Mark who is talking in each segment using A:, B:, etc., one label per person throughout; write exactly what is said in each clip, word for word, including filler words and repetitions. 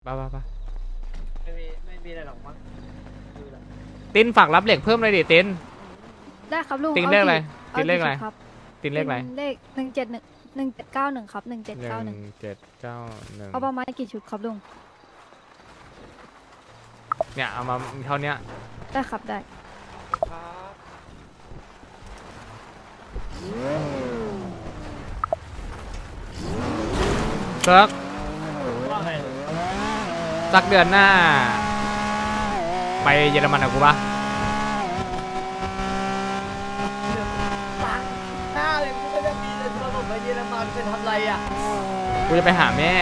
A: ป่ะป่ะป่ะ
B: ไม่มีไม่มีอะไรหรอกมั้งดูแล
A: ตินฝากรับเหล็กเพิ่มเลยดิติน
C: ได้ครับลุง
A: ตินเลขอะไร
C: อา
A: ตินเลขอะไร
C: ครับ
A: ตินเลขอะไร
C: เลขหนึ่งเจ็ดหนึ่งหนึ่งเจ็ดเก้าหนึ่งครับหนึ่งเจ็ด
A: หนึ่
C: เก้าหนึ่ง
A: งเจ็ดเก้าหนึ่ง
C: เอาประมาณกี่ชุดครับลุง
A: เนี่ยเอามาเท่าเนี้ย
C: ได้ครับได้
A: เซิร์ก
B: ว่าไง
A: สักเดือนหน้า ไปเยอรมันกับกูปะ
B: ตังหน้าเลยกูไม่ได้มีเลยตอนผมไปเยอรมันไปทำไรอ่ะ
A: กูจะไปหาแม่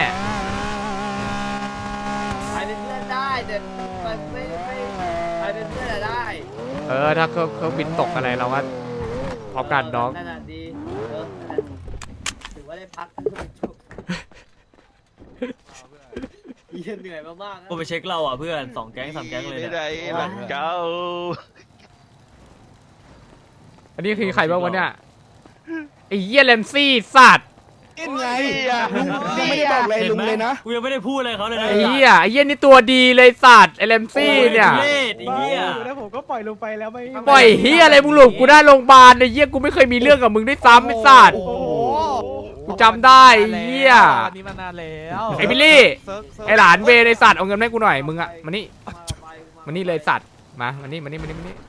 B: ไปเป็นเพื่อนได้แต่มันไม่ไม่ไปเป็นเพื่อนอะได้
A: เออถ้าเขาเขาบินตกอะไรเราก็พร้อมกันน้อง
B: นั่นน่ะดีเออนั่นน่ะถือว่าได้พักจุกเยี่ยเหนื่อยมากๆนะ
D: กูไปเช็คเราอ่ะเพื่อนสองแก๊งสามแก๊งเลย
E: ไม่
D: เนี่ย
E: ได้หลังเจ้า
A: อันนี้คือใครบ้างวะเนี่ยไอ้เหี้ยเลมซี่สัตว์
E: อินไง
F: ลุงยังไม่ได้บอกอะไรลุงเลยนะ
D: กูยังไม่ได้พูดอะไรเขาเลยนะ
A: ไอ้เหี้ยไอ้เหี้ยนี่ตัวดีเลยสัตว์ไอ้เลมซี่เนี่ย
D: โอ้ทุรศไอ้เหี้ย
F: แล้วผมก็ปล่อยลงไปแล้วไม่
A: ปล่อยเหี้ยอะไรมึงหลบกูได้โรงพยาบาลไอ้เหี้ยกูไม่เคยมีเรื่องกับมึงด้วยซ้ำไอ้สัตว์
F: โอ้โห
A: กูจำได้ไอ้เหี้ย
F: อันนี้มานานแล้ว
A: ไอ้บิลลี่ ไอหลานเวในสัตว์เอาเงินมาให้กูหน่อยมึงอะมานี่มานี่เลยสัตว์มามานี่มานี่มานี่มานี่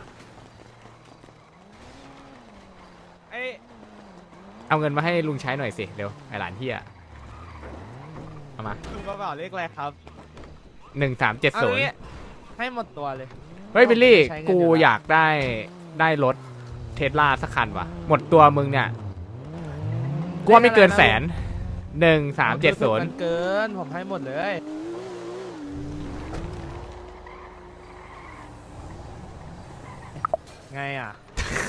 F: ไอ้
A: เอาเงินมาให้ลุงใช้หน่อยสิเร็วไอหลานเฮียเอามา
F: ลุงกระเป๋าเลขอะไรครับ
A: หนึ่งสามเจ็ด
F: เอา
A: ศูนย์
F: งี้ให้หมดตัวเลย
A: เฮ้ยบิลลี่
F: ใช้เงิน
A: กู
F: เดือนละ
A: อยากได้ได้รถเทสลาสักคันว่ะหมดตัวมึงเนี่ยกูว่าไม่เกินแสนหนึ่งสามเจ็ดศูนย์
F: มันเกินผมให้หมดเลย ไงอ่ะ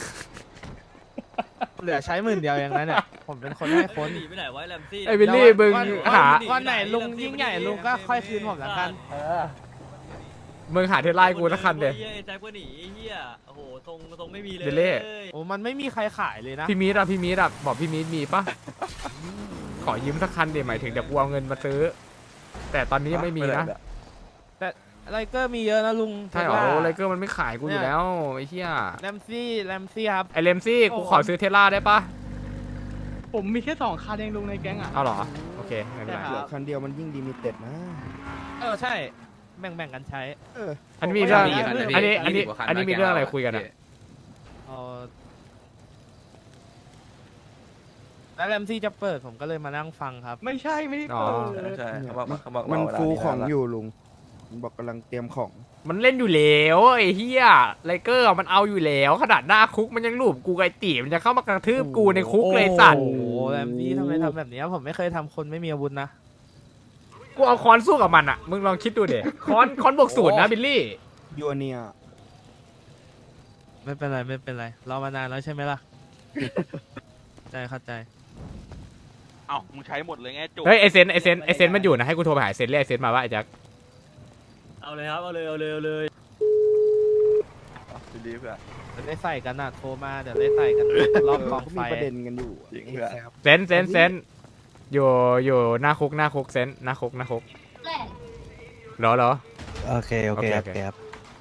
F: เหลือใช้หมื่นเดียวอย่างนั้นเนี่ยผมเป็นคนให้คน
D: หนีไปไหนไวะแรมซี่
A: ไอบิลลี่มึง
F: วัน
A: หา
F: วันไหนลุงยิ่งใหญ่ลุงก็ค่อยคืนผมละกัน
A: มึงหาเทสลาให้กูสักคันเดีย
D: ไอ้แจ็คก็หนีไอ้เหี้ยโอ้โหทรงทรงไม่มีเลย
A: เดเล่
F: โอ้มันไม่มีใครขายเลยนะ
A: พี่มีดอะพี่มีดอะบอกพี่มีดมีปะขอยืมสักคันเดี๋ยวหมายถึงเดี๋ยวกูเอาเงินมาซื้อ แต่ตอนนี้ยังไม่มีนะ
F: ไลเกอร์มีเยอะนะลุง
A: ใช่เหรอ
F: เทสลา
A: ไลเกอร์มันไม่ขายกูอยู่แล้วไอ้เหี้ย
F: แรมซี่แรมซี่ครับ
A: ไอเลมซี่กูขอซื้อเทสลาได้ปะ
G: ผมมีแค่สองคันเองลุงในแก๊งอ่ะ
A: เอาเหรอโอเคไม่เป็นไร
F: ใช่
G: เหลื
F: รั
G: อบ คันเดียวมันยิ่งดีมิเต็ดนะ
F: เออใช่แบ่งแบ่งกันใช้
G: เออ
A: อันนี้มีเรื่อง
F: ผมก็อยากได้
A: อันนี้อันนี้อันนี้มีเรื่องอะไรคุยกันอะ
F: เออแล้วแรมซี่จะเปิดผมก็เลยมานั่งฟังครับ
G: ไม่ใช่ไม่ได้
A: อ๋อ
G: เปิด
E: ใช่เขาบอกเขาบอก
G: มัน
E: รอเวลา
G: ฟูของ
E: นานละ
G: อยู่ลุงมันบอกกำลังเตรียมของ
A: มันเล่นอยู่แล้วไอ้เหี้ยไลเกอร์มันเอาอยู่แล้วขนาดหน้าคุกมันยังหลูบกูไกตีมันจะเข้ามากระทืบกูในคุกเลยสัตว์
F: โอ้โหแรมซี่ทำไมทำแบบนี้ผมไม่เคยทำคนไม่มีอาวุธนะ
A: กูเอาค้อนสู้กับมันอะมึงลองคิดดูเด็ค้อนค้อนบวกศูนย์นะบิลลี่
G: ยูเนีย
F: ไม่เป็นไรไม่เป็นไรรอมานานแล้วใช่ไหมล่ะ ใจเข้าใจ
E: เอ้ามึงใช้หมดเลยไงจุก
A: เฮ้ยไอเซนไอเซนไอเซนมันอยู่นะให้กูโทรไปหาไอเซนเรียกไอเซนมาว่าไอแจ็ค
D: เอาเลยครับเอาเลยเอาเลยเอาเลย
E: ดีเพื่อน
F: เดี๋ยวได้ใส่กันนะโทรมาเดี๋ยวได้ใส่กันรอบกอง
G: ก็
F: ไฟ
G: มีประเด็นกันอยู่
E: จริงเพื่อน
G: ครับ
A: เซนเซนเซนอยู่อยู่หน้าคุกหน้าคุกเซนหน้าคุกหน้าคุกเหรอเหรอ
H: โอเค โอเค
A: โอเค
H: โอ
A: โอเค
H: เคครับ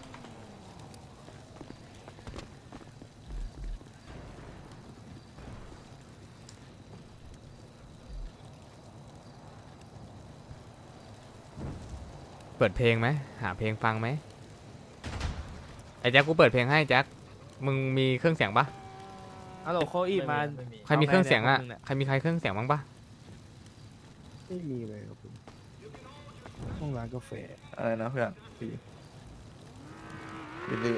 A: เปิดเพลงไหมหาเพลงฟังไหมไอแจ็คกูเปิดเพลงให้แจ็คมึงมีเครื่องเสียงปะ
F: ฮัลโหลโคอีมา
D: ไม่มี
A: ใครมีเครื่องเสียงอะ
F: เอาไงเนี่ย
A: ใครมีใครเครื่องเสียงบ้างปะ
G: ไม่มีเลยครับผมห้องร้านกาแฟ
E: อะไรนะเพื่อนพี่บิลลี่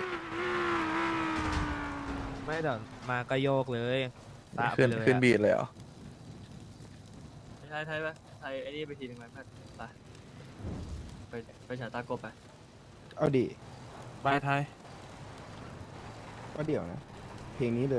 F: ไม่เดี๋ยวมาก็โยกเลยตามไป
E: ขึ้น
F: เลย
E: ขึ้น
F: อะ
E: บีดเลยเหรอ
D: ไทยไทยปะไทยไอ้นี่ไปทีนึงไหมเพื่อนไปไปไปฉายตากบไป
G: เอาดิ
F: บายไทย
G: ก็เดี๋ยวนะ เพลงนี้เลย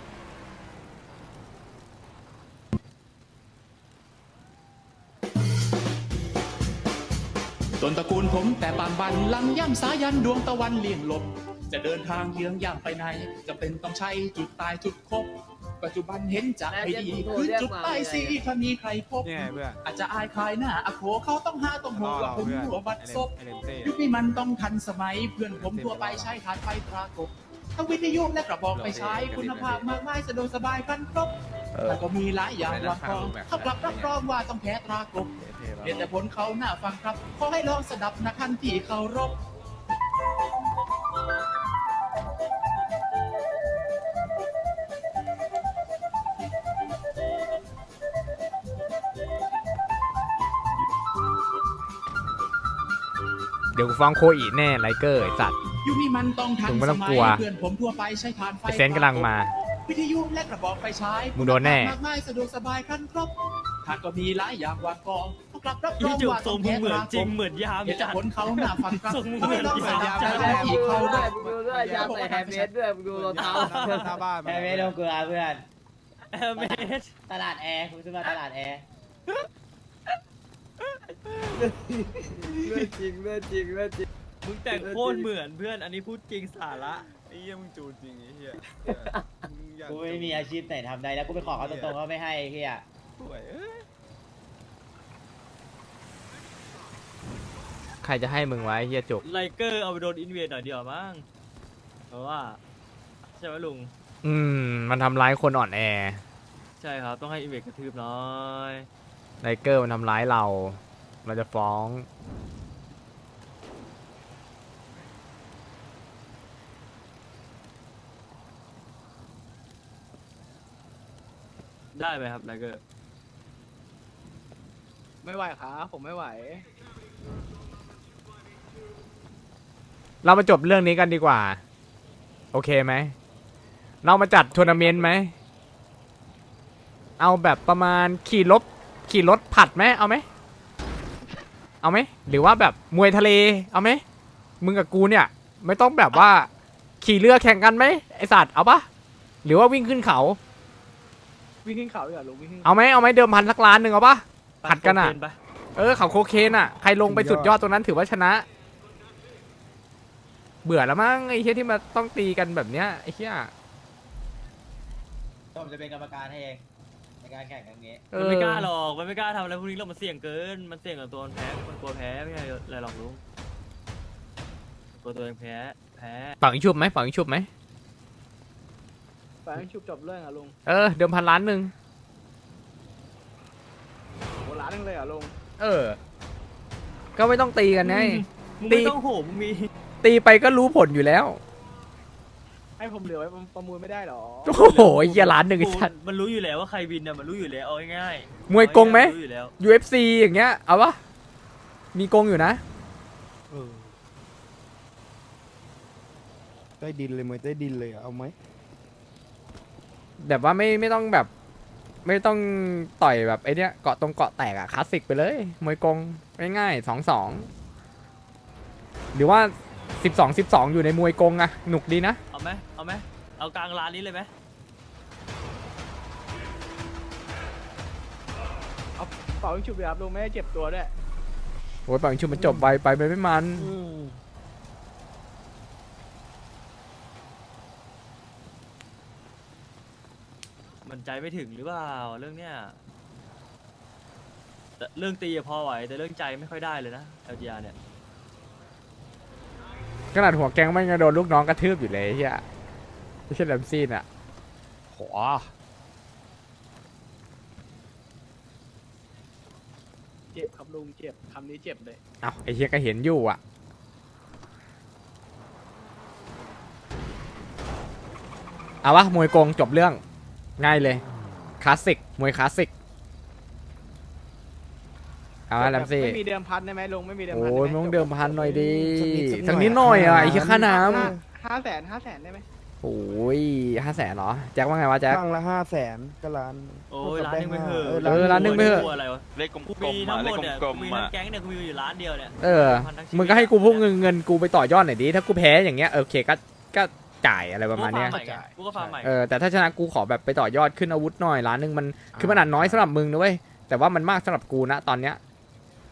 I: ต้นตระกูลผมแต่ปางบันลังย่ำสายันดวงตะวันเลี่ยงลบจะเดินทางเยื้องย่างไปไหนจะเป็นต้องใช้จุดตายจุดคบปัจจุบันเห็นจะให้ดีขึ้นจุดใต้สีถ้ามีใครพบ
E: ยังไงเพื่อน
I: อาจจะอายคลายหน้าอโคเขาต้องหาต้องหัวผมหัวบัดซบ
E: ไอเลนเต้
I: ยุคนี้มันต้องทันสมัยเพื่อนผมทั่วไปใช้ฐานไฟตรากบทั้งวิทยุและกระบอกไฟใช้คุณภาพมากมายสะดวกสบายกันครบแต่ก็มีหลายอย่างวางกองเขากลับรับรองว่าต้องแพ้ตรากบเห็นแต่ผลเขาหน้าฟังครับขอให้ลองสดับนะคันที่เคารพ
A: เดี๋ยวกูฟ้องโคอีแน่ไลเกอร์ไอ้สัตว์
I: ยุคนี้มันต้องทัน
A: มึงไม่
I: ส
A: ต้อง
I: มั
A: ก
I: ย
A: ลัว
I: เพื่อนผมทั่วไปใช้ฐานไฟ
A: ไอเซนกำลังมา
I: วิทยุและกระบอกไฟใช้
A: มึงโดนแน่
I: มากมายสะดวกสบายกันครบทางก็มีหลายอย่างวางกองต้องกลับรับร
F: อี
I: อง
F: จุก
I: ว่า
F: ทร
I: ต้อง ง
F: มึ
I: แพ้
F: งเหมือน
I: ตรา
F: จริง
I: กบ
F: เหมือนยาม
I: เห็นแต่
F: จัด
I: ผลเขาหน้าฟังครับ
F: ทรงมึง
I: ขอให้ลอง
F: เหมื
I: ส
F: อน
I: ดับ
F: ยาม
I: นะคันที่เคาร
B: ด้วย
I: พ
B: มึงดูด้วยยาใส่แฮมเมดด้วยมึงดูรองเท้า
E: หน้าบ้าน
H: แอร์ไม่ต้องกลัวเพื่อน
F: แอร์เมส
H: ตลาดแอร์คุณซื้อมาตลาดแอร์
B: เรื่องจริงเรื่องจริงเรื่องจริง
F: มึงแต่งโคตรเหมือนเพื่อนอันนี้พูดจริงสาระ
E: ไอ้เหี้ยมึงจูจริงไอ้เหี้ย
H: กูไม่มีอาชีพไหนทำได้แล้วกูไปขอเขาตรงๆเขาไม่ให้เฮีย
E: ป่วยเอ้ย
A: ใครจะให้มึงไว้เฮียจุก
F: ไลเกอร์เอาไปโดนอินเวดหน่อยเดียวมั้งเพราะว่าใช่ไหมลุง
A: อืม มันทำร้ายคนอ่อนแอ
F: ใช่ครับต้องให้อินเวดกระทืบน้อย
A: ไลเกอร์มันทำร้ายเรา เราจะฟ้อง
F: ได้ไหมครับไลเกอร์
B: ไม่ไหวครับผมไม่ไหว
A: เรามาจบเรื่องนี้กันดีกว่า โอเคไหม เรามาจัดทัวร์นาเมนต์ไหม เอาแบบประมาณขี่รถขี่รถผัดไหมเอาไหม เอาไหม หรือว่าแบบมวยทะเล เอาไหม มึงกับกูเนี่ย ไม่ต้องแบบว่า ขี่เรือแข่งกันไหมไอสัตว์เอาปะหรือว่าวิ่งขึ้นเขา
B: วิ่งขึ้นเขาดีกว่าลุงวิ่งขึ้น
A: เอาไหมเอาไหมเดิมพันสักล้านหนึ่งเอาปะ ผัดกันอะ
F: โคเคป
A: เออเขาโคเคนอ่ะ ใครลงไปสุดยอดตรงนั้นถือว่าชนะ เบื่อแล้วมั้งไอ้เหี้ยที่มาต้องตีกันแบบเนี้ยไอ้เหี้ย
H: ผมจะเป็นกรรมการให้เองในการแข่งครั้งนี้
A: เอ
F: มัน
A: อ
F: ไม่กล้าหรอกมันไม่กล้าทำอะไรพวกนี้หรอกมันเสี่ยงเกิน มันเสี่ยงกับตัวมันแพ้ มันกลัวแพ้ไม่ใช่อะไรหรอกลุงตัวตัวเองแพ้ แพ้
A: เป่ายิงชุบไหมเป่ายิงชุบไหม
B: ไปให้ชุบจบเรื่องอ่ะลุง
A: เออเดิมพันล้านหนึ่ง
B: โหร้านนึงเลยเหรอ่ะลุง
A: เออ ก็ไม่ต้องตีกันไง
F: มึง
A: ตี
F: ไม่ต้องโหมึงมี
A: ตีไปก็รู้ผลอยู่แล้ว
B: ให้ผมเหลือไว้ประมูลไม่ได้หรอ
A: โอ้โหไอ้เหี้ยล้านหนึ่งไอ้สัตว์
F: มันรู้อยู่แล้วว่าใครวินอ่ะมันรู้อยู่แล้วเอาง่ายๆ
A: มวยกงไหม
F: รู้อยู่แล้ว
A: ยู เอฟ ซี อย่างเงี้ยเอาปะมีกงอยู่นะ
G: เออใต้ดินเลยมวยใต้ดินเลยอะเอาไหม
A: แบบว่าไม่ไม่ต้องแบบ ไม่ต้องต่อยแบบไอ้เนี้ยเกาะตรงเกาะแตกอะคลาสสิกไปเลยมวยกงง่ายๆสองสองหรือว่าสิบสองสิบสองอยู่ในมวยกงอะหนุกดีนะ
F: เอาไหมเอาไหมเอากลางร้านนี้เลยไหม
B: เป่ายิงชุบเลยครับลุงไม่ได้เจ็บตัวด้วย
A: โอ้ยปังชุบมันจบไปไปไปไม่มัน
F: มันใจไม่ถึงหรือเปล่าเรื่องเนี้ยแต่เรื่องตีอะพอไหวแต่เรื่องใจไม่ค่อยได้เลยนะ แอล จี อาร์ เนี่ย
A: ขนาดหัวแกงไม่งโดนลูกน้องกระทืบอยู่เลยไอ้เฮียไม่ใช่แลมซี่น่ะโห
B: เจ็บครับลุงเจ็บคำนี้เจ็บเลย
A: เอาไอ้เฮียก็เห็นอยู่อ่ะเอาวะมวยกงจบเรื่องง่ายเลยคลาสสิกมวยคลาสสิกเอาวะแลมซี่
B: ไม่มีเดิมพันได้ไหมลุงไม่มีเดิมพัน
A: โอ้
B: ได้
A: ย
B: ไห
A: มึงต้องเดิมพันหน่อยดี
G: สักนิด
A: สักนิดหน่อยอ่ะไอ้เหี้ยค่าน้
B: ห้าแสนห้าแสนได้ไหม
A: ำโอ้ยห้าแสนเหรอแจ็คว่าไงวะแจ็ค
G: ข้างละห้าแสนก็ล้าน
F: โอ้ยร้านหนึงไม่เหอะ
A: เออร้านหนึ่งไม่เหอะ
F: กลัวอะไรวะ
D: เลขกล
F: กู
D: ม
F: มี
D: ๆ
F: ทั้
D: อ่ะ
F: งห
D: เล
F: ม
D: ข
F: ดเนี่ย
D: กล
F: กู
D: ม
F: มี
D: ๆ
F: ทั้
D: อ่ะ
F: งแก๊งเนี่ยกูมีอยู่ร้านเดียวเนี่ย
A: เออ มึงก็ให้กูพูดเงินเงินกูไปต่อยอดหน่อยดิถ้ากูแพ้อย่างเงี้ยเออโอเคก็ก็จ่ายอะไรประมาณเนี้ย
F: กูก็ฟาร์มใหม่ไงกูก็ฟาร์มใหม่
A: เออแต่ถ้าชนะกูขอแบบไปต่อยอดขึ้นอาวุธหน่อยล้านหนึ่งมันคือมันอาจน้อยสำหรับมึงนะเว้ยแต่ว่ามันมากสำหรับกูนะตอนเนี้ย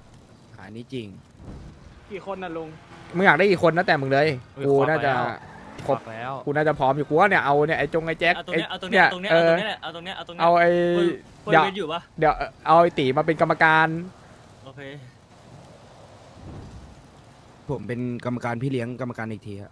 G: อันนี้จริง
B: กี่คนน่ะลุง
A: มึงอยากได้อีกคนนะแต่มึงเลย
F: เฮ้ย
A: กู
F: ขอไป
A: น่าจะ
F: แล้ว
A: กครบ
D: แล้ว
A: กูน่าจะพร้อมอยู่กูว่าเนี่ยเอาเนี่ยไอ้จงไอ้แจ็ค
F: เอาตรง
A: ไอ้
F: เนี้ยเอาตรงเนี้ยเอาตรงเนี้ย
A: เอ
F: เอาต
A: อ
F: รงเนี้ยแหละเอาตรงเนี้ยเอาตรงเนี้ย
A: เอาไอ้
F: คุย
A: เดี๋ยว
F: คุยอยู่ปะ
A: เดี๋ยวเอาไอ้ตีมาเป็นกรรมการ
F: โอเค
G: ผมเป็นกรรมการพี่เลี้ยงกรรมการอีกทีฮะ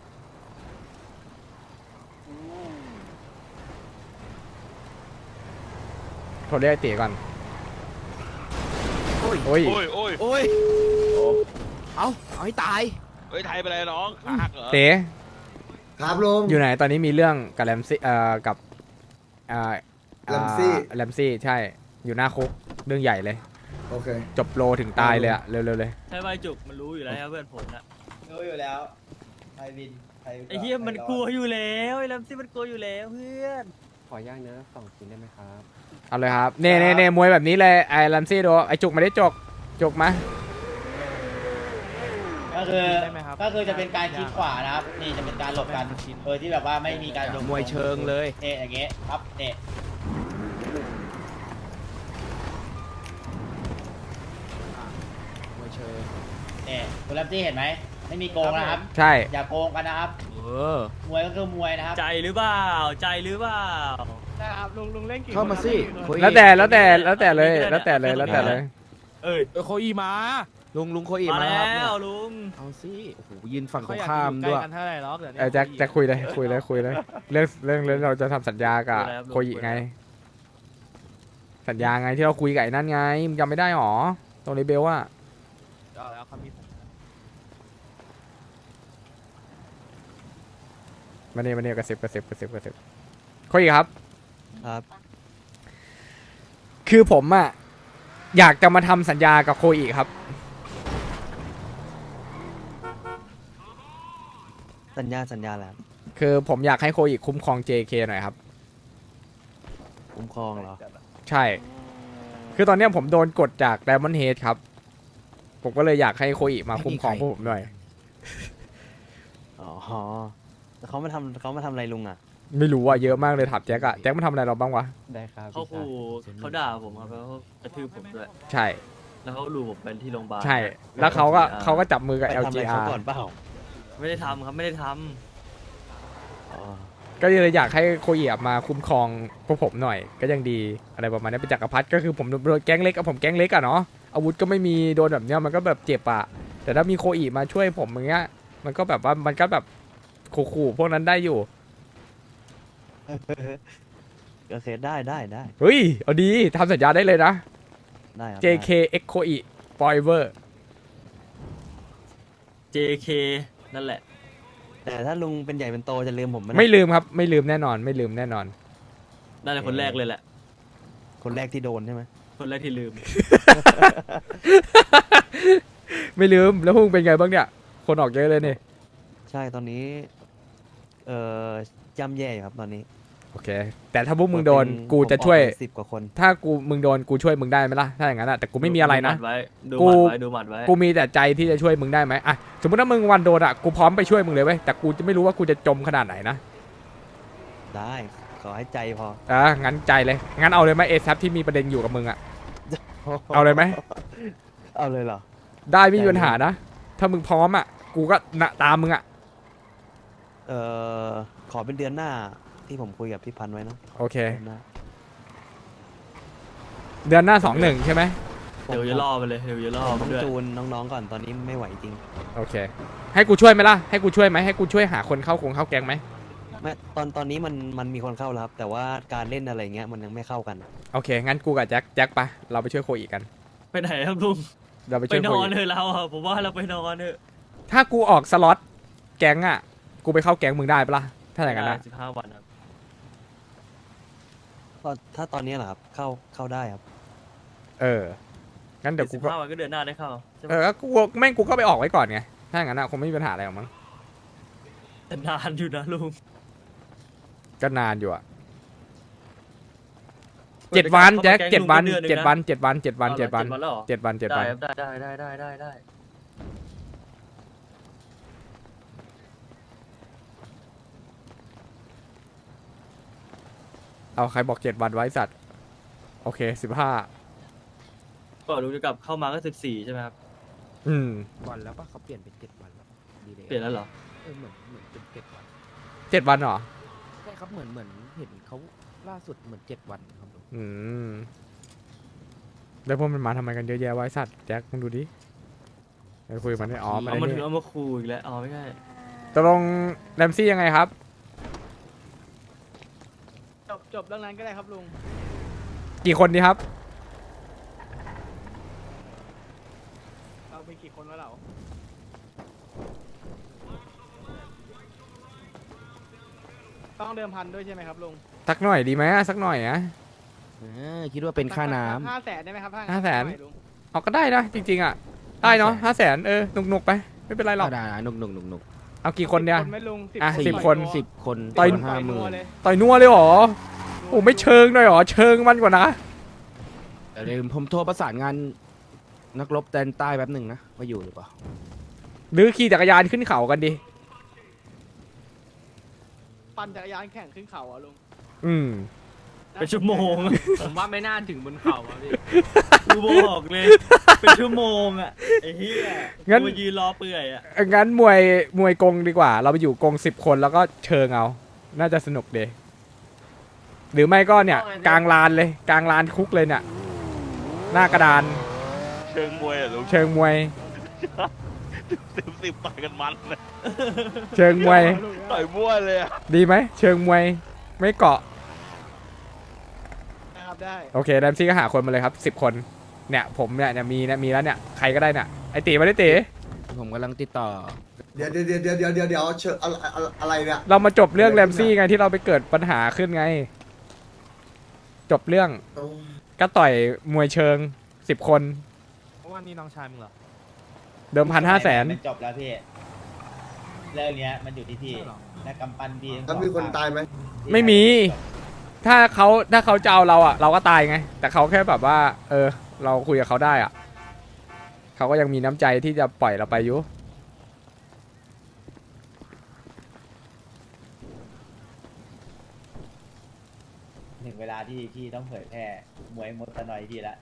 A: โทรเรียกไอ้ตีก่อนโอ้ย
J: โอ้ยโอ้ย
G: โอ้ยเอาเอาให้ตาย
J: เฮ้ยไทยไปเลยน้องขาหักเหรอ
A: เต๋
B: ครับลุง
A: อยู่ไหนตอนนี้มีเรื่องกับแรมซี่เอ่อกับเอ่อ
B: แรมซี่
A: แรมซี่ใช่อยู่หน้าคุกเรื่องใหญ่เลย
B: โอเค
A: จบโลถึงตายเลยอะเร็วๆเลย
F: ใช่ใบจุกมันรู้อยู่แล้วครับเพื่อนผมนะ
H: รู้อยู่แล้วไทยวินไทย
F: ไอ้เหี้ยมันกลัวอยู่แล้วไอ้แรมซี่มันกลัวอยู่แล้วเพื่อน
G: ขอย่างเนื้อสองชิ้นได้ไหมครับ
A: เอาเลยครับเน่เน่เน่มวยแบบนี้เลยไอ้แรมซี่ดูไอ้จุกไม่ได้จกจกมา
H: ก็คือ
D: ได้ไหมครับ
H: ก็คือจะเป็นการคิดขวานะครับ นี่จะเป็นการหลบกันโดยที่แบบว่าไม่มีการโดน
G: มวยเชิงเลย
H: เนี่ยอย่างเงี้ยครับเนี่ย
G: มวยเชิง
H: เนี่ยคุณลัมซี่เห็นไหมไม่มีโกงนะครับ
A: ใช่
H: อย่าโกงกันนะครับ
D: เออ
H: มวยก็คือมวยนะครับ
F: ใจหรือเปล่าใจหรือเปล่า
G: เข้ามาสิคุย
A: แล้วแต่แล้วแต่แล้วแต่เลยแล้วแต่เลยแล้วแต่เลย
F: เอ้ย
D: เออโคอีมา
G: ลุงลุงโคอี
F: มา
G: มา
F: แล้
G: ครับเนี่ยว
F: ลุง
G: เอาสิโอ้โหยืนฝั่งต
D: เขา
G: รง
D: อยาก
G: ข้าม
D: อยู่ใก
G: ด้
D: ล้
G: วย
D: กันเท่าไหร่ล็อกเดี๋ยว
A: เออแจ็คแจ็คคุยเลยคุยเลยคุยเลยเรื่องเรื่องเรื่องเราจะทำสัญญากับโคยิไง สัญญาไงที่เราคุยกับไอ้นั่นไงมึงจำไม่ได้หรอตรงนี้เบลว่า
D: เอาแล้วเขามีสัญญา
A: มาเนี่ยมาเนี่ยกระซิบกระซิบกระซิบกระซิบโคยิครับ
F: ครับ
A: คือผมอะอยากจะมาทำสัญญากับโคอิครับ
F: สัญญาสัญญาแล้ว
A: คือผมอยากให้โคอิคุ้มครอง เจ เค หน่อยครับ
F: คุ้มครองเหรอ
A: ใช่ คือตอนเนี้ยผมโดนกดจาก Diamond Head ครับ ผมก็เลยอยากให้โคอิมาคุ้มครองพวกผมหน่อย
F: อ๋อแล้วเขามาทำเขามาทำอะไรลุงอ่ะ
A: ไม่รู้ว่าเยอะมากเลยถามแจ็คอะแจ็คมันทำอะไรเราบ้างวะ
G: ได้ครับ
F: เขาขู่เขาด่าผมครับแล้วเขากระทืบผมด้วย
A: ใช่
F: แล้วเขาลูผมไปที่โรงพยาบาล
A: ใช่ แล้วเขาก็เขาก็จับมือกับ
F: ไป
A: แอล
F: ทำอะ
A: จี
F: ไร
A: อา
F: เขา
A: ร์
F: ก่อนเปล่าไม่ได้ทำครับไม่ได้ทำอ๋อ
A: ก็เลยอยากให้โคอิมาคุ้มครองพวกผมหน่อย ก็ยังดีอะไรประมาณนี้เป็นจักรพรรดิก็คือผมโดนแก๊งเล็กกับผมแก๊งเล็กอะเนาะอาวุธก็ไม่มีโดนแบบเนี้ยมันก็แบบเจ็บอะแต่ถ้ามีโคอิมาช่วยผมอย่างเงี้ยมันก็แบบว่ามันก็แบบขู่ๆพวกนั้นได้อยู่
F: โอเคได้ได้ได้
A: เฮ้ยเอาดีทำสัญญาได้เลยนะ
F: ได้ครับ
A: เจ เค X โคอิ forever
F: เจ เค นั่นแหละ แต่ถ้าลุงเป็นใหญ่เป็นโตจะลืมผมไหม
A: ไม่ลืมครับไม่ลืมแน่นอน ไม่ลืมแน่นอน
F: น่าจะคนแรกเลยแหละ คนแรกที่โดนใช่ไหมคนแรกที่ลืม
A: ไม่ลืมแล้วพวกมึงเป็นไงบ้างเนี่ย คนออกเยอะเลยนี่
F: ใช่ตอนนี้เอ่อย่ำแย่อยู่ครับตอนนี้
A: โอเค แต่ถ้าพวกมึงโดนกูจะช่วย
F: สิบกว่าคน
A: ถ้ากูมึงโดนกูช่วยมึงได้ไหมล่ะถ้าอย่างนั้นอะแต่กูไม่มีอะไรนะ
F: ดู
A: กู
F: หมัดไว้ดูหมัดไว้
A: กูมีแต่ใจที่จะช่วยมึงได้ไหมอะสมมติถ้ามึงวันโดนอะกูพร้อมไปช่วยมึงเลยเว้ยแต่กูจะไม่รู้ว่ากูจะจมขนาดไหนนะ
F: ได้ขอให้ใจพอ
A: อ่ะงั้นใจเลยงั้นเอาเลยไหมเอซับที่มีประเด็นอยู่กับมึงอะ เอาเลยไหม
F: เอาเลยเหรอ
A: ได้ไม่มีปัญหานะ ถ้ามึงพร้อมอะกูก็นะตามมึงอะ
F: เอ่อขอเป็นเดือนหน้าที่ผมคุยกับพี่พันธุ์ไว้เนอะ
A: โอเค
F: เดือนหน้า
A: เดือนหน้าสองหนึ่งใช่ไหม
F: เดี๋ยวจะล่อไปเลยเดี๋ยวจะล่อต้องจูนน้องๆก่อนตอนนี้ไม่ไหวจริง
A: โอเค ให้กูช่วยไหมล่ะให้กูช่วยไหมให้กูช่วยหาคนเข้าคงเข้าแก๊งไหม
F: ไม่ตอนตอนนี้มันมันมีคนเข้าแล้วครับแต่ว่าการเล่นอะไรเงี้ยมันยังไม่เข้ากัน
A: โอเค งั้นกูกับแจ็คแจ็คไปเราไปช่วยโคอีกกัน
F: ไปไหนครับลุง
A: เราไป
F: ไป
A: ช่วย
F: น
A: โค
F: อน
A: อี
F: เถอะเราอะผมว่าเราไปนอนเถอะ
A: ถ้ากูออกสล็อตแก๊งอะกูไปเข้าแก๊งมึงได้ปะล่ะถ้าอย่างนั้นนะ
F: สิบห้าวันครับตอนถ้าตอนนี้เหรอครับเข้าเข้าได้ครับ
A: เอองั้นเดี๋ยวกู
F: สิบ
A: ก็
F: ห้าวันก็เดือนหน้าได้เข้าใช่ไหม
A: เออกูแม่งกูก็ไปออกไว้ก่อนไงถ้าอย่างนั้นอะคงไม่มีปัญหาอะไรหรอกมั้ง
F: แต่นานอยู่นะลุง
A: ก็นานอยู่อะเจ็ดวันแจ็คเจ็ดวันเจ็ดวันเจ็ดวันเจ็ดวันเจ็ดวัน
F: แล้วเหรอ
A: เจ็ดวันเจ็ด
F: ได้
A: วัน
F: ครับได้ได้ได้ได้ได้ได้
A: เอาใครบอกเจ็ดวันไว้สัตว์โอเคสิบห้า
F: ก็ลุงจะกลับเข้ามาก็สิบสี่ใช่ไหมครับ
A: อืม
G: วันแล้วปะเขาเปลี่ยนเป็นเจ็ดวันแล้วปะดีเลย
F: เปลี่ยนแล้วเหรอ
G: เออเหมือนเหมือนเป็นเจ็ดวัน
A: เจ็ดวันเหรอ
G: ใช่ครับเหมือนเหมือนเห็นเขาล่าสุดเหมือนเจ็ดวันครับลุง
A: อืมแล้วพวกมันมาทำไมกันเยอะแยะวะไอ้สัตว์แจ็คมึงดูดิไปคุยกับมันได้อ๋อมัน
F: เอา
A: ไอ้
F: มา
A: นี่
F: ถึงเอามาคูอีกแล้วอ๋อไม่ใช่
A: ตกลงแรมซี่ยังไงครับ
B: จบจบเรื่องนั้นก็ได้ครับลุง
A: กี่คนดีครับ
B: เรามีกี่คนวะเราต้องเดิมพันด้วยใช่ไหมครับลุง
A: สักหน่อยดีไหมอะสักหน่อยอะ
G: เออคิดว่าเป็นค่าน้ำ
B: ห้าแสนได้ไหมครับ
A: ห้าแสน
B: หอยลุง
A: เอาก็ได้นะจริงๆอะได้เนาะห้าแสนเออหนุกๆไปไม่เป็นไรหรอก
G: ได้ๆหนุกหนุกหนุกหนุก
A: เอากี่คนเนี่ย
B: สิบไหมลุง
A: อ่ะ
B: สิ
A: สิบคน
G: สิบคน
A: ต่อย
G: คนห้าหมื่น
B: เลย
A: ต่อยนัวเลยเหรอโอ้ไม่เชิงหน่อยเหรอเชิงมันกว่านะ
G: เดี๋ยวผมโทรประสานงานนักรบแดนใต้แป๊บหนึ่งนะว่าอยู่หรือเปล่า
A: หรือขี่จักรยานขึ้นเขากันดิ
B: ปั่นจักรยานแข่งขึ้นเขาอ่ะลุง
A: อืม
F: เป็นชั่วโมง
D: ผมว่าไม่น่าถึงบนเขาอะพี่
F: กูบอกเลย เป็นชั่วโมงอ่ะไอ้เหี้ย
A: งั้น
F: กูยืนรอเปื่อยอ่ะ
A: งั้นมวยมวยกงดีกว่า เราไปอยู่กงสิบคนแล้วก็เชิงเอา น่าจะสนุกดีหรือไม่ก็เนี่ย กลางลานเลย กลางลานคุกเลยเนี่ย หน้ากระดาน
J: เชิงมวยอะลุง
A: เชิงมวย
J: สิบสิบต่อยกันมันเลย
A: เชิงมวย
J: ต่อยมั่วเลยอะ
A: ดีไหมเชิงมวยไม่เกาะ
B: นะครับได้
A: โอเคแรมซี่ก็หาคนมาเลยครับสิบคนเนี่ยผมเนี่ยเนี่ยมีเนี่ยมีแล้วเนี่ยใครก็ได้เนี่ยไอตีมาได้ตี
G: ผมกำลังติดต่อ
K: เดี๋ยวเดี๋ยวเดี๋ยวเดี๋ยวเดี๋ยวเดี๋ยวเชิญอะไรอะไรอะไรเนี่ย
A: เรามาจบเรื่องแรมซี่ไงที่เราไปเกิดปัญหาขึ้นไง จบเรื่อง
K: โอ้
A: ก็ต่อยมวยเชิงสิบคน
D: เพราะว่านี่น้องชายมึงเหรอ
A: เดิมพันห้าแสน
H: มันจบแล้วพี่เรื่องเนี้ยมันอยู่ที่พี่และกำปั้นพี่ทั้งส
K: แล้
H: อ
K: ว
H: ง
K: มีคน
H: ฝั่ง
K: ตายไหม
A: ไม่มี ถ้าเขาถ้าเขาจะเอาเราอ่ะ เราก็ตายไง แต่เขาแค่แบบว่า เออ เราคุยกับเขาได้อ่ะเขาก็ยังมีน้ำใจที่จะปล่อยเราไปอยู่
H: ถึงเวลาที่พี่ต้องเผยแพร่มวยมดตะนอยพี่ละ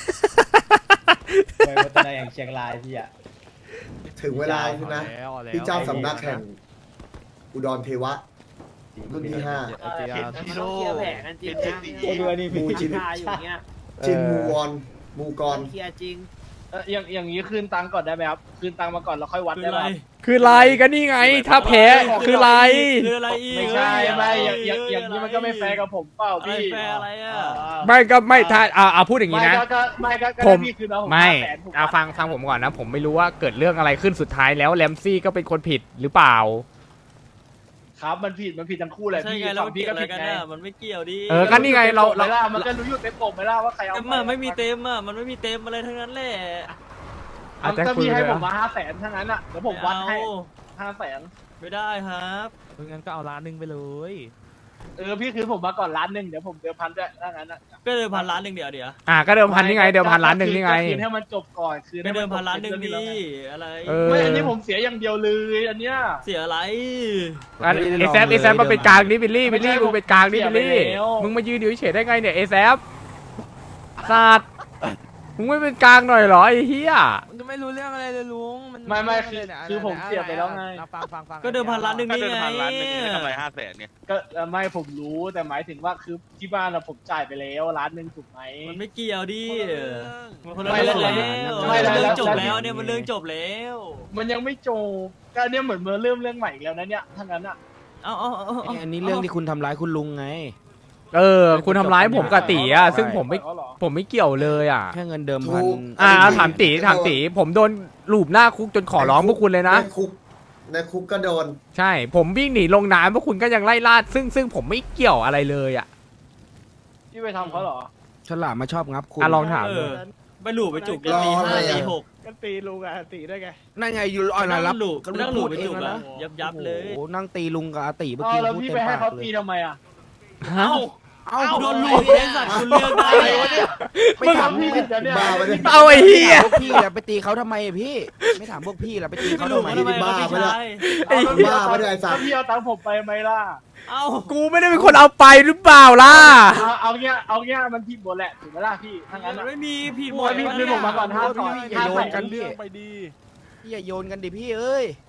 H: มวยมดตะนอยอย่างเชียงรายพี่อะ
K: ถึงเวลาใช่ไหมที่เจ้าสำนักแห่งอุดรเทวะรุ่นที่ห้า
J: เห็นพี่โน่
B: เคลียร์แผลกันจริง
J: เห็น
B: นะ
J: จริง
H: โอ้ดูอันนี้
K: มู
H: พี่
K: จิน
B: คาอยู่เงี้ย
K: จินมูวอนมูกร
B: เคลียร์จริง
L: เอออย่างอย่างนี้คืนตังค์ก่อนได้ไหมครับ คืนตังค์มาก่อนแล้วค่อยวัด
F: คือ
L: ได้
F: อะไร
L: ไหม
A: คือไรกันนี่ไง ถ้าแพ้คือไร
F: คืออะไรอีก
L: ไม่ใช่
F: เอ้ย
L: ไม่อย่างอย่างอย่างนี้มันก็ไม่แฟร์กับผมเปล่า
F: อะไร
L: พี่
F: แฟร์อะไรอ่ะ
A: ไม่ก็ไม่ถ้าอ่าเอาพูดอย่างนี้
L: ไม่
A: นะ
L: ก็ก็ไม่ก็ก็
A: ผม
L: ได้พี่คืนแล้วผม
A: ไม่
L: ห้าแสนผม
A: เอาฟังฟังผมก่อนนะ ผมไม่รู้ว่าเกิดเรื่องอะไรขึ้นสุดท้ายแล้วแรมซี่ก็เป็นคนผิดหรือเปล่า
L: ครับมันผิดมันผิดทั้งคู่แหละ
F: ใช่
L: พี่
F: ไงแล้ว
L: ฝั่
F: มัน
L: งพี่
F: เกี่ยว
L: ก็
F: อะไร
L: ผิด
F: กัน
L: ไง
F: อ่ะมันไม่เกี่ยวดิ
A: เออก็นี่ไงเราเรา
L: ไม่ล่ะมันก็รู้อยู่เต็มปกไหมล่ะว่าใครเอา
F: แต่มันไม่มีเต็มอ่ะมันไม่มีเต็มอะไรทั้งนั้นแหละ
A: อาจจะ
L: ก็
A: คุย
L: พี่ให้
A: เลย
L: ผม
A: อะ
L: มาห้าแสนทั้งนั้นอ่ะเดี๋ยวผมวัดให้
F: ไม่เอา
L: ห้าแสน
F: ไม่ได้ครับ
D: งั้นก็เอาล้านหนึ่งไปเลย
L: เออพี่คืนผมมาก่อนล้านหนึ่งเดี๋ยวผมเดิมพันด้วยถ้างั้นอ่ะ
F: ก็เดิมพันล้านหนึ่งเดียวเดี๋ยว
A: อ่าก็เดิมพันนี่ไง เดิมพันล้านหนึ่งนี่ไง
L: คืนให้มันจบก่อนคืน
F: ไม่
L: ให้
F: เดิ
L: มั
F: ม
L: นจบ
F: พันล้านหนึ่ง
L: เป็
F: ดี
L: เรื่องที่แล้วไง
F: อะไร
A: เออ
L: ไม่อันนี้ผมเสียอย่างเดียวเลยอันเนี้ย
F: เสียอะไร
A: อันเอแซฟเอแซฟมาเป็นกลางนี่บิลลี่บิลลี่มึงเป็นกลางนี่บิลลี่มึงมายืนอยู่เฉยได้ไงเนี่ยเอแซฟศาสตร์มึงไม่เป็นกลางหน่อยเหรอไอ้เหี้ย
D: มันจะไม่รู้เรื่องอะไรเลยลุงมัน
L: ไม่ไม่คือคือผมเสียไปแล้วไง
D: ฟังฟังฟัง
F: ก็เดิมพันล้านหนึ่ง
J: ถ้า
F: นี่
J: เดิน
F: ไง
J: พันล้านหนึ่งไม่ทำไรห้าแสนเนี่ย
L: ก็เอ่อไม่ผมรู้แต่หมายถึงว่าคือที่บ้านเราผมจ่ายไปแล้วล้านหนึ่งถูกไหม
F: มันไม่เกี่ยวดิมันคนละ
L: ไม่
F: เรื่อง
L: แล้ว
F: แล้ว
L: ไม่แล้ว
F: มันเรื่องจบ
L: แล้ว
F: แล้วเนี่ยมันเรื่องจบแล้ว
L: มันยังไม่จบก็เนี่ยเหมือนเมื่อเริ่มเรื่องใหม่อีกแล้วนะเนี่ยทั้งนั้นอ่ะ
F: เอาเอาเอาเอา
G: อันนี้เรื่องที่คุณทำร้ายคุณลุงไง
A: เออ คุณทำร้ายผมกับตีอ่ะซึ่งผมไม่
L: เขาเหรอ
A: ผมไม่เกี่ยวเลยอ่ะ
G: แค่เงินเดิมพัน
A: อ่าถามตีถามตีผมโดนลูบหน้าคุกจนขอร้องพวกคุณเลยนะ
K: ในคุกในคุกก็โดน
A: ใช่ ผมวิ่งหนีลงน้ำพวกคุณก็ยังไล่ล่าซึ่งซึ่งผมไม่เกี่ยวอะไรเลยอ่ะ
L: ที่ไปทำเขาเหรอ
G: ฉลามมาชอบงับคุณ
A: อ่ะลองถาม
F: เอ
A: ดู
F: อไปหลูบไปจุก
K: รอ
F: ตี
K: อะไร
F: ห้า
K: อ่ะ
F: ตีหก
L: ก็ตีลุงอะตีได้ไง
G: นั่นไงอยู่อ่อน
F: นั่ง
G: รับ
F: หลูบนั่งหลูบไป
G: เอ
F: จุ
G: ง
F: ก
G: แล้ว
F: อะ
G: นะ
F: ยับยับเลย
G: โอ้โหนั่งตีลุงกับอาติเมื่อ
L: อ๋อ
G: กี้
L: แล้ว
G: พูด
L: พี่
G: เต็ม
L: ไปให้
G: ปาก
L: เขา
G: เล
L: ตี
G: ย
L: ทำไมอ่ะ
A: ฮะ
F: เอ้าโดนหลูบเองสัตว์คุณเลือกได้
L: อะไรวะเนี่ย
G: ไม่ถาม
L: พี่
G: พี่
L: ผิดนะเนี่ย
K: บ้าไปเนี่ย
A: เอาไอ้เหี้ย
G: พวกพี่อะไปตีเขาทำไมอะพี่ ไม่ถามพวกพี่ละไปตี
F: ไม่
G: เขา
F: หลู
G: ทำ
F: บ
G: ไม
F: ทำไม
K: บ้า
F: พี่
K: ไปเนี่ย
F: ชาย
K: ไอ้บ้าไปเนี่ยไอ้สัตว์
L: ถ้าพี่เอาตังค์ผมไปไหมล่ะ
F: เอ้า
A: กูไม่ได้เป็นคนเอาไปหรือเปล่าล่ะ
L: เอาเอาเงี้ยเอาเงี้ยมันผิดหมดแหละถูกไหมล่ะพี่ทั้งนั้น
F: มัน
L: อะ
F: ไม่มีผิดหม
L: โอ้
F: ด
L: ยพี่คืนผมมาก่อนห้า
G: โอ้ย
L: ก่อน
G: อย่าโยนกันพี่
L: ไปดี
G: พี่อย่าโยนกันดิพี่เอ้ย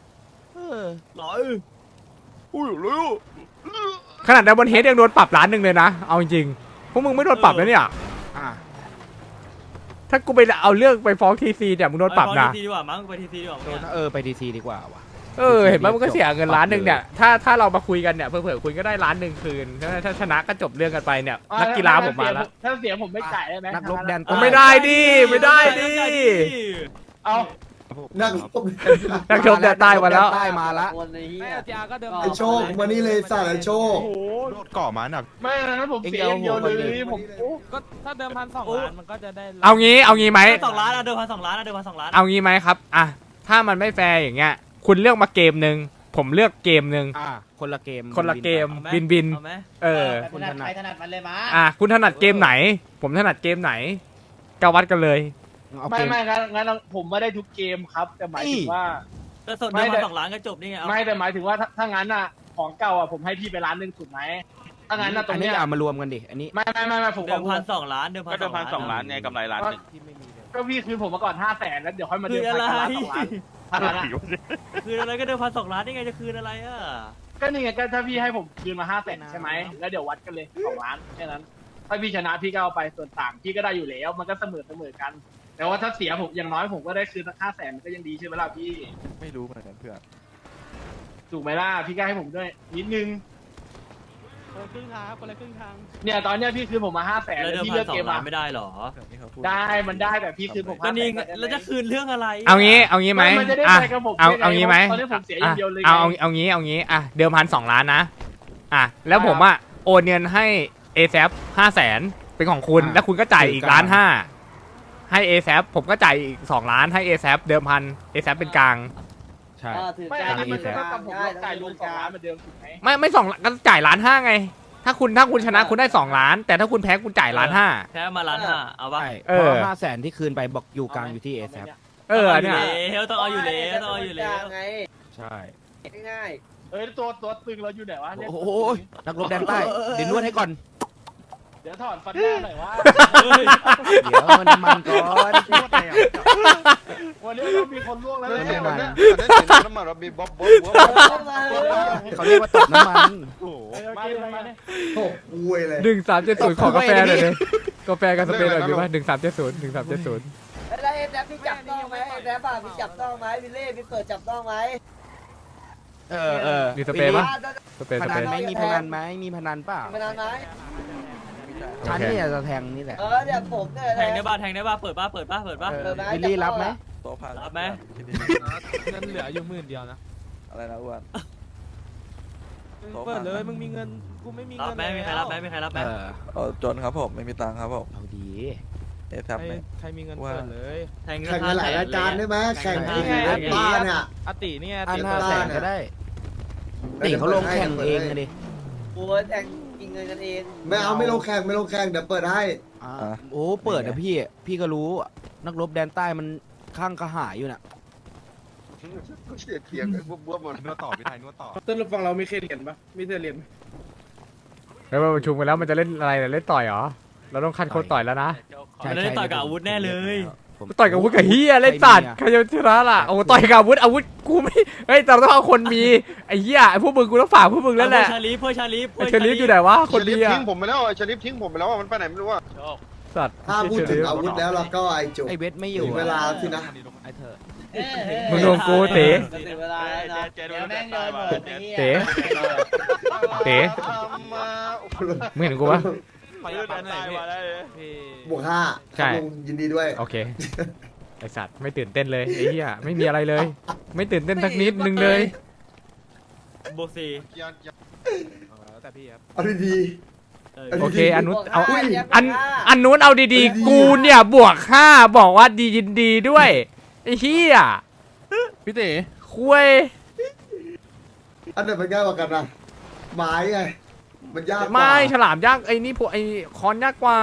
G: เออ
F: หลอยอุ้ยเร็ว
A: ขนาดดับบนเฮดยังโดนปรับล้านหนึ่งเลยนะเอาจริงๆพวกมึงไม่โดนปรับนะเนี่ย
G: อ่ะ
A: ถ้ากูไปเอาเรื่องไปฟ้องทีซีเนี่ยมึงโดนปรับนะ
F: ไปทีซีดีกว่ามั้งไปทีซีดีกว่า
G: โดน
F: เนี่ย
G: เออไปดีซีดีกว่าว่ะ
A: เออเห็นไหมมันก็เสียเงินล้านหนึ่งเนี่ยถ้าถ้าเรามาคุยกันเนี่ยเผื่อๆคุณก็ได้ล้านหนึ่งคืนถ้าถ้าชนะก็จบเรื่องกันไปเนี่ยนักกีฬาผมมาแล้ว
L: ถ้าเสียผมไม่จ่ายได้ไหม
G: นักรบแดน
A: ผมไม่ได้ดิไม่ได้ดิ
L: เอา
K: นั่ง
A: นักชมแดนใต้มาแล้ว
G: ใต้มาละ
B: คนไอ้เหี้ย
K: ไอโชคมานี่เลยสัตว์ไอโชค
L: โอ้โห
E: โดดก่อมาหนัก
L: ไม่งั้นผมเสียอย่างเดียวเลยผมโอ้
F: ก็ถ้าเดิมพันสองล้านมันก็จะได้
A: เอางี้เอางี้ไหม
F: สองล้านอะเดิมพันสองล้านอะเดิมพันสองล้าน
A: เอางี้ไหมครับอ่ะถ้ามันไม่แฟร์อย่างเงี้ยคุณเลือกมาเกมหนึ่งผมเลือกเกมหนึ่ง
G: อ่ะคนละเกม
A: คนละเกม
F: อาไห
A: บินบิน
F: เอาไหม
A: เออ
H: ถนัดใครถนัดมันเลยมา
A: อ่ะคุณถนัดเกมไหน ผมถนัดเกมไหนก็วัดกันเลย
G: เอา
L: ไม่
G: เกม
L: ไม่งั้นงั้นผมไม่ได้ทุกเกมครับ แต่หมายถึงว่า
F: ก็สดเดิมพันสองล้านก็จบนี่ไงเอา
L: ไม่แต่หมายถึงว่าถ้าถ้างั้นอ่ะของเก่าอ่ะผมให้พี่ไปร้านหนึ่งถูกไหมถ้างั้นอ่ะตร
G: อั
L: ง
G: นนี้
L: เนี้ย
G: เอามารวมกันดิอันนี้
L: ไม่ไม่ไม่ไม่ผม
F: เดิม
L: ขอ
F: พันสองล้านเดิมพัน
J: ก็เดิมพันสองล้านไงกำไรล้านหนึ่ง
L: ก็พี่คืนผมมาก่อนห้าแสนแล้วเดี๋ยวค่อยมา
F: คื
L: เดิ
F: น
L: ม
F: อะ
L: พัน
F: ไร
L: กันล้านสองล้านถ้างั้นอะ
F: คืนอะไรก็เดิมพันสองล้านนี่ไงจะคืนอะไรอ่ะ
L: ก็นี่ไงก็ถ้าพี่ให้ผมคืนมาห้าแสนใช่ไหมแล้วเดี๋ยววัดกันเลยสองล้านแค่นั้นถ้าพี่ชนะพี่ก็เอาไปส่วนต่างพี่ก็ได้อยู่แล้วมันก็เสมอเสมอกัน แต่ว่าถ้าเสียผมอย่างน้อยผมก็ได้คืนสักห้าแสนมันก็ยังดีใช่ไหมล่ะพี่
E: ไม่รู้เหมือนกันเพื่อน
L: ถูกไหมล่ะพี่ก็ให้ผมด้วยนิดนึง
F: คนละครึ่งทางคนละครึ่งทาง
L: เนี่ยตอนเนี้ยพี่คืนผมมาห้าแสน
F: แล้ว
L: แล้ว
F: เดิม
L: พี่
F: พั
L: เลื
F: น
L: อก
F: สอ
L: เก
F: ง
L: ม
F: ล้า
L: อ่ะ
F: นไม่ได้หรอ
L: ได้มันได้แต่พี่คืนผม
F: ก็
L: ห้าแส
F: นี่
L: น
F: ไงแล้วจะคืนเรื่องอะไร
A: เอางี้เอางี้ไหม
L: มันจะได้
A: อ่ะ
L: ไปกับผม
A: เอา
L: ได้ไง
A: เอางี้ไหม
L: ตอนนี้ผมเสียอย่างเดียวเลย
A: เอา
L: ไง
A: เอาเอางี้เอางี้อ่ะเดิมพันสองล้านนะอ่ะแล้วผมอ่ะโอนเงินให้ เอ แซป ห้าแสนเป็นของคุณ
G: อ่ะ
A: แล้วคุณก็จ่ายอีกล้านห้าให้ เอ แซป ผมก็จ่ายอีกสองล้านให้ เอ แซป เดิมพัน เอ แซป เป็นกลาง
G: ใช่
B: อ่าถือ
L: ไม่
B: ก
L: อั
B: ลาน ง
L: นี้มัน
G: ใช่
L: ก็กับผมจ่ายรวมสองล้านเหมือนเดิมถูกไหม
A: ไม่ไม่สองก็จ่ายล้านห้าไง ถ้าคุณถ้าคุณชนะคุณได้สองล้าน แต่ถ้าคุณแพ้คุณจ่ายล้านห้า
F: แพ้มาล้านห้าเอาปะ
G: ใช่
A: เอ
G: เพ
A: อ
G: ราะห้าแสนที่คืนไปบอกอยู่กลางอยู่ที่เอแซ
A: เออเนี่ย
F: ต้องเอาอยู่แล้วต้องเอาอยู่แล้ว
B: ไง
G: ใช่
B: ง่าย
L: เอ้ยตัวตัวตึงเราอยู่ไหนวะเนี่ย
G: โอ้โหนักรบแดนใต้เดี๋ยวนวดให้ก่อน
L: เดี๋ยวถอนฟันหน้าหน่อยว่า
G: เดี๋ยวมันน้ำมันก่อน
L: วันนี้เรามีคนล่วงแล้ว
G: เรื่อง
L: เนี่ย
G: น้ำมัน
J: น้ำมันเรามีบ๊อบบ๊อบ
G: เขาเรียกว่าตกน้ำมัน
L: มาเลยมาเลย
K: โอ้อวยเลย
A: หนึ่งสามเจ็ดศูนย์ขอกาแฟหน่อยเลยกาแฟกับสเปรย์หน่อยดีป่ะหนึ่งสามเจ็ดศูนย์หนึ่งสามเจ็ดศูนย์
B: ๆแล้วเอ็มแดฟพี่จับต้องไหมเอ็มแดฟอ่ะพี่จับต้องไหมวิลเล่พี่เปิดจับต้องไหม
G: เออเออ
A: มีสเปรย์ปะ สเปรย์
G: พ
A: ส
G: นั
A: เปร
G: น
A: ย์
G: ไหมมีพนันไหมมีพนันเปล่า
B: มานานไหม
G: ฉันเนี่ยจะแทงนี่แหละ
B: เออเนี่ยผมเนี่ย
F: แทงได้บ้าแทงได้บ้าเปิดบ้าเปิดบ้าเปิดบ้า
G: เออวิลลี่รับไหม
F: รับไหม
E: เงินเหลืออยู่หมื่นเดียวนะ อะไรนะอ้วนเปิดเลยมึงมีเงินกูไม่มี
F: รับ
E: เงิน
F: ไหมมีใครรับไหมมีใครรับไหม
G: เออ
E: เออจนครับผมไม่มีตังค์ครับผม
G: เอาดี
E: เอทับไหมใครมีเงินเปิดเลย
F: แทง
K: แข่งกันหลายรายการได้ไหมแข่งที่บ้านเนี่ย
E: อติเนี่ย
G: อันห้าแสนก็ได้ตีเขาลงแข่งเองเลยดิ
B: โอ้ยแทงกินเงินกันเอง
K: ไม่เอาไม่ลงแข่งไม่ลงแข่งเดี๋ยวเปิดให้
G: อ่าโอ้เปิดนะพี่ พี่ก็รู้ นักรบแดนใต้มันข้างกระหายอยู่น่ะ
J: เสียเทียงบ๊อบบ๊อบหมด
E: นวดต่อพี่ไทยนวดต่อ
L: ต้นรับฟังเราไม่เคยเรียนปะไม่เคยเรียน
A: แล้วมาประชุมกันแล้วมันจะเล่นอะไรเนี่ยเล่นต่อยเหรอ เราต้องคัดคนต่อยแล้วนะ
F: มันได้ต่อยกับอาวุธแน่เลย
G: ผม
A: ต่อยกับอาวุธกับเฮียเล่นสัตว์ใครจะชนะล่ะโอ้ต่อยกับอาวุธอาวุธกูไม่เฮ้ยแต่เราต้องเอาคนมีไอ้เหี้ยไอ้พวกมึงกูต้องฝากพวกมึงแล้วแหละ
F: ชาลีเพื่อชาลี
A: ไอ้เชลิฟอยู่ไหนวะคนดีอะ
J: ทิ้งผมไปแล้วชลิฟทิ้งผมไปแล้วมันไปไหนไม่รู้อ่ะ
A: สัตว์
K: ถ้าพูดถึงอาวุธแล้วเราก็ไอจุก
G: ไอเวทไม่อยู่
K: ถึงเวลาสินะ
G: ไอเธอ
A: มึงโดนกูเต๋
B: ถึงเวลาแล้วนะเดี๋ยวแม่งโยนหมดไอ้เหี้ย
A: เต๋เต๋มึงเห็นกูปะ
E: ไปยันไหนมาได้
K: บวกห้า
A: ใช่
K: ครับลุงยินดีด้วย
A: โอเคไอสัตว์ไม่ตื่นเต้นเลยไอ้เหี้ยไม่มีอะไรเลย ไม่ตื่นเต้นสักนิดนึงเลย
F: โบซี
E: แต่พี่ครับ
K: เอาดี
A: โอเคอันนู้นเอา
K: อุ้ย
A: อันอันนู้นเอาดีๆ กูเนี่ยบวกห้าบอกว่าดียินดีด้วยไอ้เหี้ย
E: พี่เต๋
A: คุย
K: ๆอันไหนมันง่ายกว่ากันนะไม้ไงมันยากกว่า
A: ไม่ฉลามยากไอ้นี่พวกไอ้คอนยากกว่า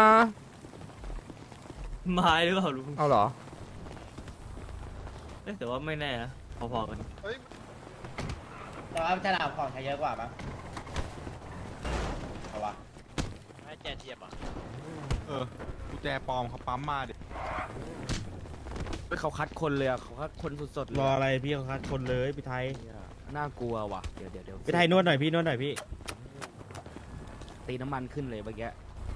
F: ไม้หรือเปล่าลุง
A: เอาเหรอ
F: แต่ว่าไม่แน่นะพอๆกัน
H: แต่ว่าฉลามของใช้เยอะกว่าปะเอาวะ
F: ไม่แจเทียบอ่ะ
E: เออกุญแจปลอมเขาปั๊มมาดิ
G: เขาคัดคนเลยอะเขาคัดคนสดๆเลย
L: รออะไรพี่เขาคัดคนเลยพี่ไทย
G: น่ากลัวว่ะเดี๋ยวเดี๋ยวเดี๋ยว
F: พี่ไทยนวดหน่อยพี่นวดหน่อยพี่
G: ตีน้ำมันขึ้นเลยเมื่อกี้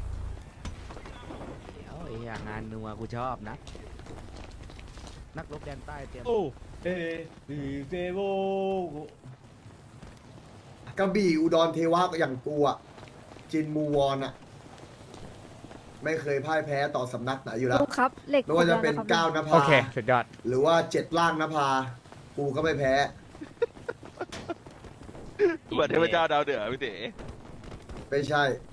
G: เดี๋ยวไอ้เหี้ยงานนัวกูชอบนะ นักรบแดนใต้เตรียม
H: โอ้เอบีเฟโว
K: กระบี่อุดรเทวะอย่างกูอ่ะจินมูวอนอ่ะ ไม่เคยพ่ายแพ้ต่อสำนักไหนอยู่แล้ว
C: ลุงครับเหล็ก
K: ไม่ว่าจะเป็น
C: ครบ
K: ก้าว
C: แล้ว
K: น
C: นะ
K: ภา
A: โอเคสุดยอด
K: หรือว่าเจ็ดล่างนภากูก็ไม่แพ้
J: เหมือนเทพเจ้าดาวเดือดพี่เต๋
K: ไม่ใช่